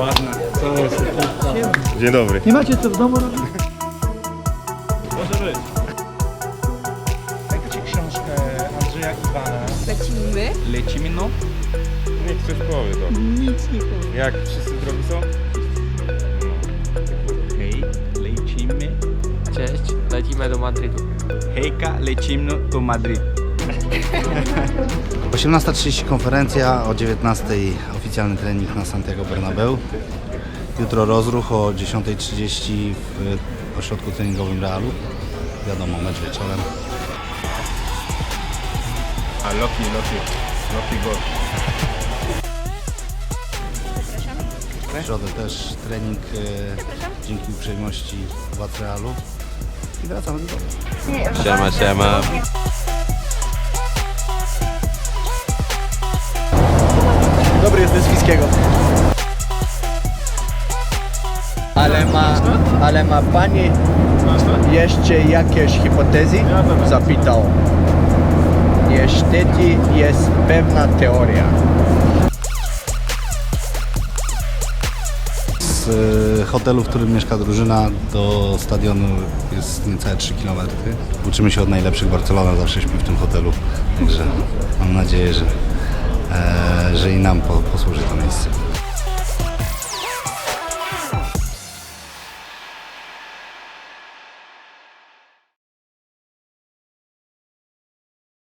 Ładne. Dzień dobry. Nie macie co w domu robić? Może być. Dajcie książkę Andrzeja Iwana. Lecimy. Lecimy no. Niech coś powie to. Nic nie powiem. Jak wszyscy drogi są? Hej, lecimy. Cześć, lecimy do Madrytu. Hejka, lecimy do Madryt. 18:30 konferencja, o 19:00 oficjalny trening na Santiago Bernabeu. Jutro rozruch o 10:30 w ośrodku treningowym Realu. Wiadomo, mecz wieczorem. A Loki go. W środę też trening dzięki uprzejmości władz Realu. I wracamy do domu. Siema, siema. Dobry jest z Fiskiego. Ale ma pani jeszcze jakieś hipotezy? Zapytał. Niestety jest pewna teoria. Z hotelu, w którym mieszka drużyna, do stadionu jest niecałe 3 km. Uczymy się od najlepszych. Barcelona zawsze śpi w tym hotelu. Także mam nadzieję, że i nam posłuży to miejsce.